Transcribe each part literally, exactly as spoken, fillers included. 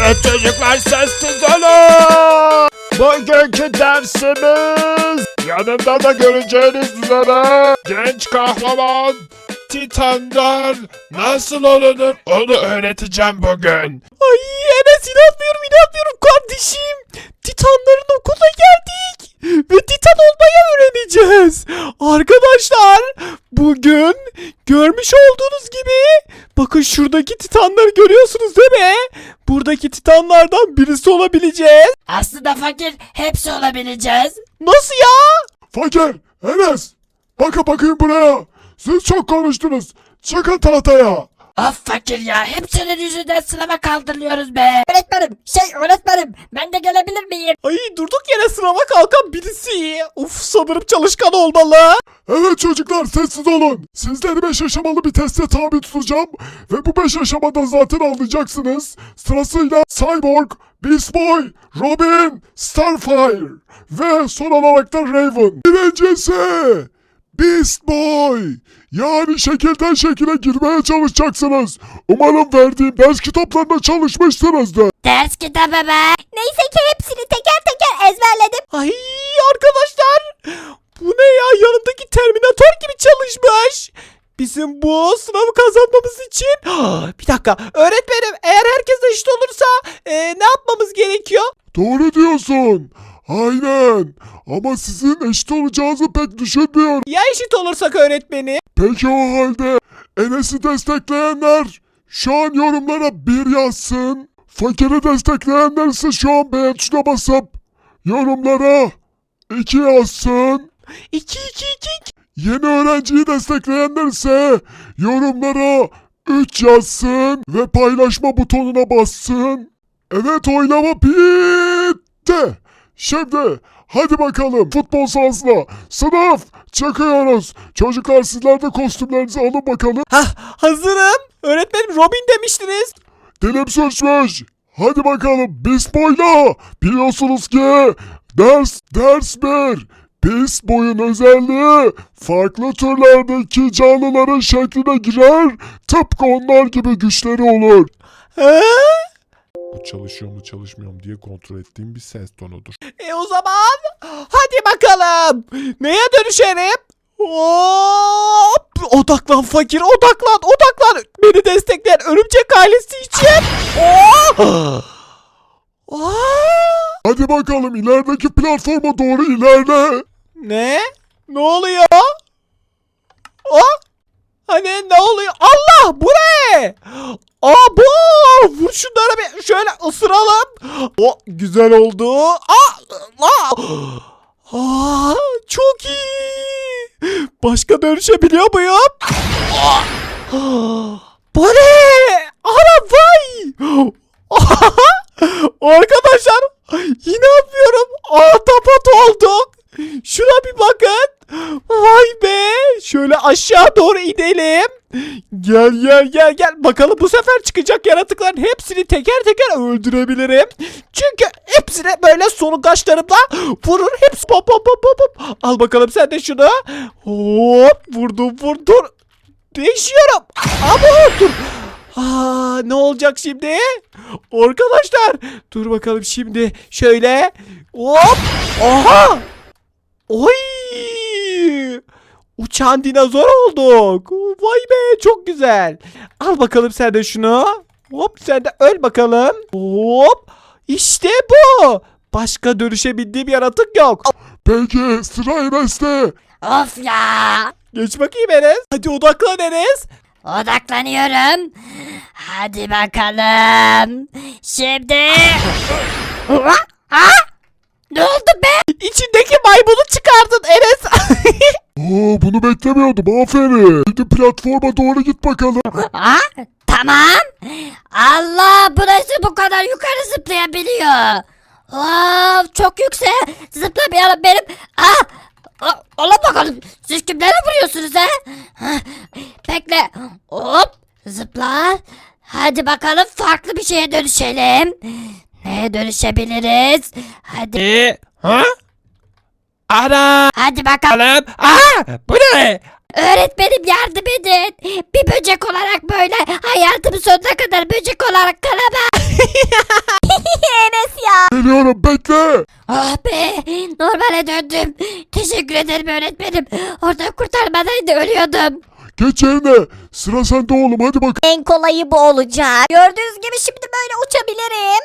Evet çocuklar, sessiz olun. Bugünkü dersimiz yanında da göreceğiniz üzere genç kahraman Titan'dan nasıl olunur onu öğreteceğim bugün. Ay Enes, inanmıyorum inanmıyorum kardeşim. Titanların okuluna geldik. Ve Titan olmayı öğreneceğiz. Arkadaşlar bugün görmüş olduğunuz gibi bakın şuradaki Titanları görüyorsunuz değil mi? Buradaki Titanlardan birisi olabileceğiz. Aslında fakir hepsi olabileceğiz. Nasıl ya? Fakir, Enes, bakın bakayım buraya. Siz çok konuştunuz. Çıkın tahtaya. Of fakir ya, hepsinin yüzünden sınava kaldırılıyoruz be. Öğretmenim, şey öğretmenim, ben de gelebilir miyim? Ay durduk yere sınava kalkan birisi. Uf, sanırım çalışkan olmalı. Evet çocuklar, sessiz olun. Sizleri beş aşamalı bir teste tabi tutacağım. Ve bu beş aşamada zaten anlayacaksınız. Sırasıyla Cyborg, Beast Boy, Robin, Starfire ve son olarak da Raven. Birincisi Beast Boy. Yani şekilden şekile girmeye çalışacaksınız. Umarım verdiğim ders kitaplarına çalışmışsınızdır. Ders kitabı be. Neyse ki hepsini teker teker ezberledim. Ay arkadaşlar, bu ne ya, yanındaki Terminator gibi çalışmış. Bizim bu sınavı kazanmamız için bir dakika öğretmenim, eğer herkes eşit olursa e, ne yapmamız gerekiyor? Doğru diyorsun. Aynen. Ama sizin eşit olacağınızı pek düşünmüyorum. Ya eşit olursak öğretmenim? Peki o halde Enes'i destekleyenler şu an yorumlara bir yazsın. Fakiri destekleyenler ise şu an beğen tuşuna basıp yorumlara iki yazsın. İki iki iki. Yeni öğrenciyi destekleyenler ise yorumlara üç yazsın ve paylaşma butonuna bassın. Evet, oylama bitti. Şimdi hadi bakalım futbol sahasına. Sınıf çıkıyoruz. Çocuklar, sizler de kostümlerinizi alın bakalım. Hah, hazırım. Öğretmenim, Robin demiştiniz. Dilim sürçmüş. Hadi bakalım Beast Boy'la. Biliyorsunuz ki ders ders bir. Beast Boy'un özelliği farklı türlerdeki canlıların şekline girer. Tıpkı onlar gibi güçleri olur. He? Bu çalışıyor mu çalışmıyor mu diye kontrol ettiğim bir ses tonudur. E o zaman hadi bakalım. Neye dönüşelim? Hop! Odaklan fakir, odaklan, odaklan. Beni destekleyen örümcek ailesi için. Oh! Oh! Hadi bakalım ilerideki platforma doğru ilerle. Ne? Ne oluyor? Oh! Hani ne oluyor? Allah, bu ne? Abo! Vur şunları bir şöyle ısıralım. O güzel oldu. Aa! Aa! Aa, çok iyi. Başka dönüşebiliyor muyum? Aa! Bu ne? Ana vay! Arkadaşlar, inanmıyorum. Ahtapot olduk. Şuna bir bakın. Vay be. Şöyle aşağı doğru inelim. Gel gel gel gel. Bakalım bu sefer çıkacak yaratıkların hepsini teker teker öldürebilirim. Çünkü hepsine böyle solungaçlarımla vurur. Hepsi pop pop pop pop pop. Al bakalım sen de şunu. Hop, vurdum vurdum. Değişiyorum. Ama dur. Aa, ne olacak şimdi? Arkadaşlar dur bakalım şimdi. Şöyle. Hop. Aha. Oy. Uçan dinozor olduk. Vay be, çok güzel. Al bakalım sen de şunu. Hop, sen de öl bakalım. Hop. İşte bu. Başka dönüşebildiğim yaratık yok. Peki sıra Enes'te. Of ya. Geç bakayım Enes. Hadi odaklan Enes. Odaklanıyorum. Hadi bakalım. Şimdi. Ha? Ne oldu be? İçindeki maymunu çıkardın Enes. Oo, bunu beklemiyordum, aferin. Şimdi platforma doğru git bakalım. Ha? Tamam. Allah, bu nasıl bu kadar yukarı zıplayabiliyor? Wow, çok yüksek. Zıplamayalım benim. Ah! Ola bakalım. Siz kimlere vuruyorsunuz ha? Bekle. Hop. Zıpla. Hadi bakalım farklı bir şeye dönüşelim. Neye dönüşebiliriz? Hadi. E, ha? Ana. Hadi bakalım. Alem. Aa, bu ne? Öğretmenim, yardım edin. Bir böcek olarak böyle hayatımın sonuna kadar böcek olarak kalamam. Geliyorum bekle. Ah be, normale döndüm. Teşekkür ederim öğretmenim. Orada kurtarmadaydı, ölüyordum. Geç yerine. Sıra sende oğlum hadi bakalım. En kolayı bu olacak. Gördüğünüz gibi şimdi böyle uçabilirim.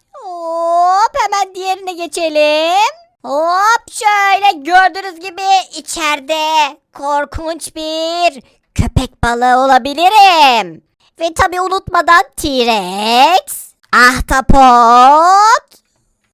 Hop hemen diğerine geçelim. Hop şöyle gördüğünüz gibi içeride korkunç bir köpek balığı olabilirim. Ve tabi unutmadan T-Rex, ahtapot,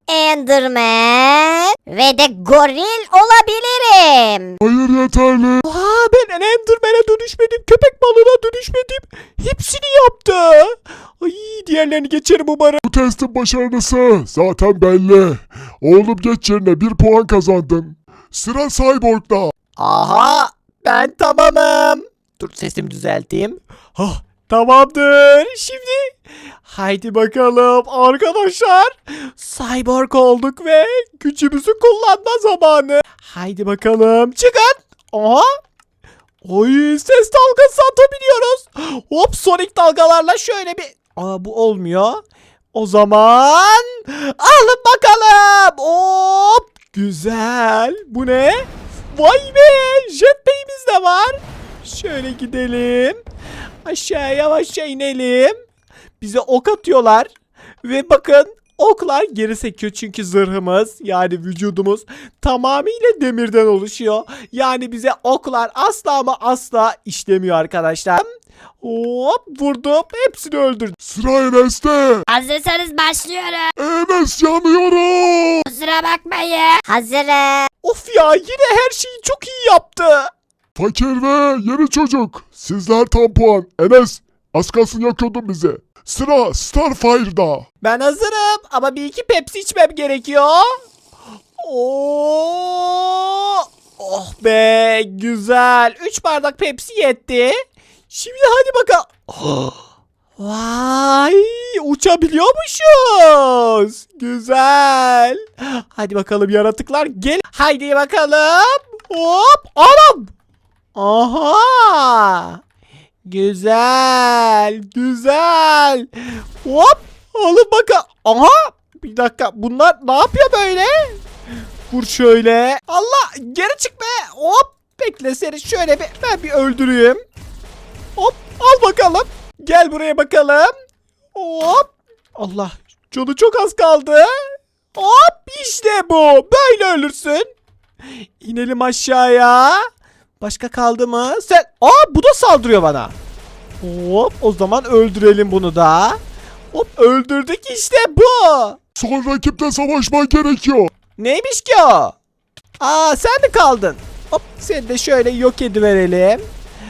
Enderman ve de goril olabilirim. Hayır yeterli. Aa, ben Enderman'e dönüşmedim, köpek balığına dönüşmedim. Hepsini yaptı. Ay, diğerlerini geçerim umarım. Bu testin başarılısı zaten belli. Oğlum geç yerine bir puan kazandın. Sıra Cyborg'da. Aha, ben tamamım. Dur sesimi düzelteyim. Hah, tamamdır. Şimdi haydi bakalım arkadaşlar. Cyborg olduk ve gücümüzü kullanma zamanı. Haydi bakalım çıkın. Aha. Oy, ses dalgası atabiliyoruz. Hop, sonik dalgalarla şöyle bir. Aa, bu olmuyor. O zaman alın bakalım. Hop, güzel. Bu ne? Vay be, jetpack'imiz de var. Şöyle gidelim. Aşağıya yavaşça inelim. Bize ok atıyorlar. Ve bakın, oklar geri sekiyor çünkü zırhımız, yani vücudumuz tamamıyla demirden oluşuyor. Yani bize oklar asla ama asla işlemiyor arkadaşlar. Hop, vurdum, hepsini öldürdüm. Sıra Enes'te. Hazırsanız başlıyorum. Enes yanıyorum. Kusura bakmayın. Hazırım. Of ya, yine her şeyi çok iyi yaptı. Fakir ve yeni çocuk. Sizler tam puan. Enes az kalsın yakıyordun bizi. Sıra Starfire'da. Ben hazırım ama bir iki Pepsi içmem gerekiyor. Oo! Oh be, güzel. Üç bardak Pepsi yetti. Şimdi hadi bakalım. Oh! Vay, uçabiliyormuşuz. Güzel. Hadi bakalım yaratıklar, gel. Haydi bakalım. Hop, anam. Aha. Güzel, güzel. Hop, alın bakalım. Aha, bir dakika, bunlar ne yapıyor böyle? Vur şöyle. Allah, geri çık be. Hop, bekle, seni şöyle bir, ben bir öldüreyim. Hop, al bakalım. Gel buraya bakalım. Hop. Allah, canı çok az kaldı. Hop, işte bu. Böyle ölürsün. İnelim aşağıya. Başka kaldı mı? Sen... Aa, bu da saldırıyor bana. Hop, o zaman öldürelim bunu da. Hop, öldürdük, işte bu. Son rakiple savaşman gerekiyor. Neymiş ki o? Aa, sen mi kaldın? Hop, seni de şöyle yok ediverelim.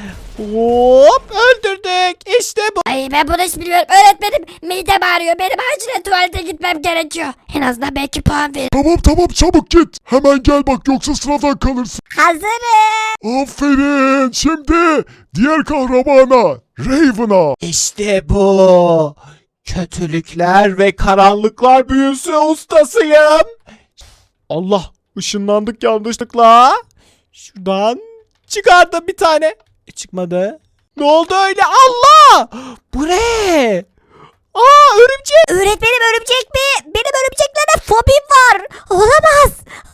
Hop, öldürdük. İşte bu. Ay, ben bunu hiç bilmiyorum. Öğretmenim, midem ağrıyor. Benim acilen tuvalete gitmem gerekiyor. En azından belki puan verir. Tamam tamam çabuk git. Hemen gel bak yoksa sıradan kalırsın. Hazırım. Aferin. Şimdi diğer kahramana Raven'a. İşte bu. Kötülükler ve karanlıklar büyüsü ustasıyım. Allah, ışınlandık yanlışlıkla. Şuradan çıkardım bir tane. E, çıkmadı. Ne oldu öyle? Allah! Bu ne? Aa, örümcek. Öğretmenim örümcek mi? Benim örümceklere fobim var. Olamaz.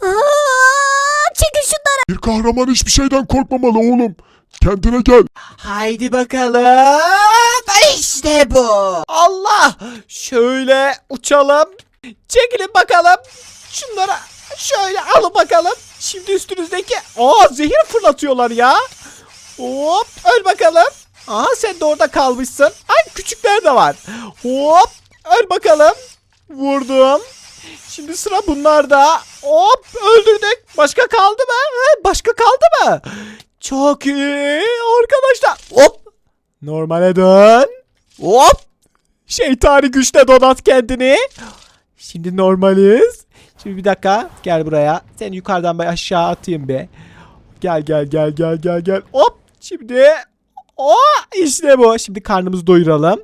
Aa, çekin şunları. Bir kahraman hiçbir şeyden korkmamalı oğlum. Kendine gel. Haydi bakalım. İşte bu. Allah! Şöyle uçalım. Çekilin bakalım. Şunlara şöyle alın bakalım. Şimdi üstünüzdeki... Aa, zehir fırlatıyorlar ya. Hop, öl bakalım. Aa, sen de orada kalmışsın. Ay, küçükler de var. Hop, öl bakalım. Vurdum. Şimdi sıra bunlarda. Hop, öldürdük. Başka kaldı mı? Ha, başka kaldı mı? Çok iyi arkadaşlar. Hop. Normale dön. Hop. Şeytani güçle donat kendini. Şimdi normaliz. Şimdi bir dakika. Gel buraya. Seni yukarıdan bir aşağı atayım be. Gel gel gel gel gel gel. Hop. Şimdi. O işte bu. Şimdi karnımızı doyuralım.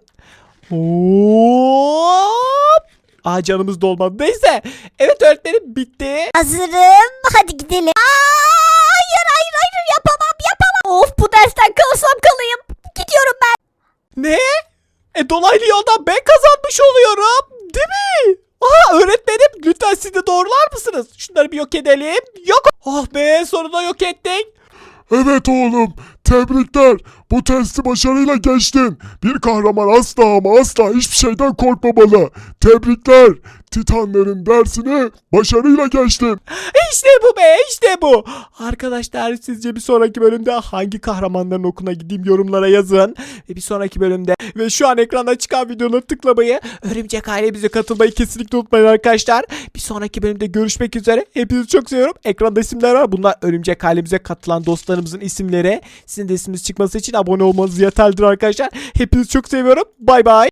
Hop. Aa, canımız dolmadı. Neyse. Evet öğretmenim, bitti. Hazırım. Hadi gidelim. Aa, hayır hayır hayır yapamam yapamam. Of, bu dersten kalsam kalayım. Gidiyorum ben. Ne? E, dolaylı yoldan ben kazanmış oluyorum. Değil mi? Aha, öğretmenim Şunları bir yok edelim. Yok. Oh be, sonunda yok ettik. Evet oğlum, tebrikler. Bu testi başarıyla geçtin. Bir kahraman asla ama asla hiçbir şeyden korkmamalı. Tebrikler. Titanların dersini başarıyla geçtin. İşte bu be, işte bu. Arkadaşlar, sizce bir sonraki bölümde hangi kahramanların okuna gideyim, yorumlara yazın. Ve bir sonraki bölümde ve şu an ekranda çıkan videoları tıklamayı, Örümcek ailemize katılmayı kesinlikle unutmayın arkadaşlar. Bir sonraki bölümde görüşmek üzere. Hepinizi çok seviyorum. Ekranda isimler var. Bunlar Örümcek ailemize katılan dostlarımızın isimleri. Sizin de isminiz çıkması için abone olmanız yeterlidir arkadaşlar. Hepinizi çok seviyorum. Bay bay.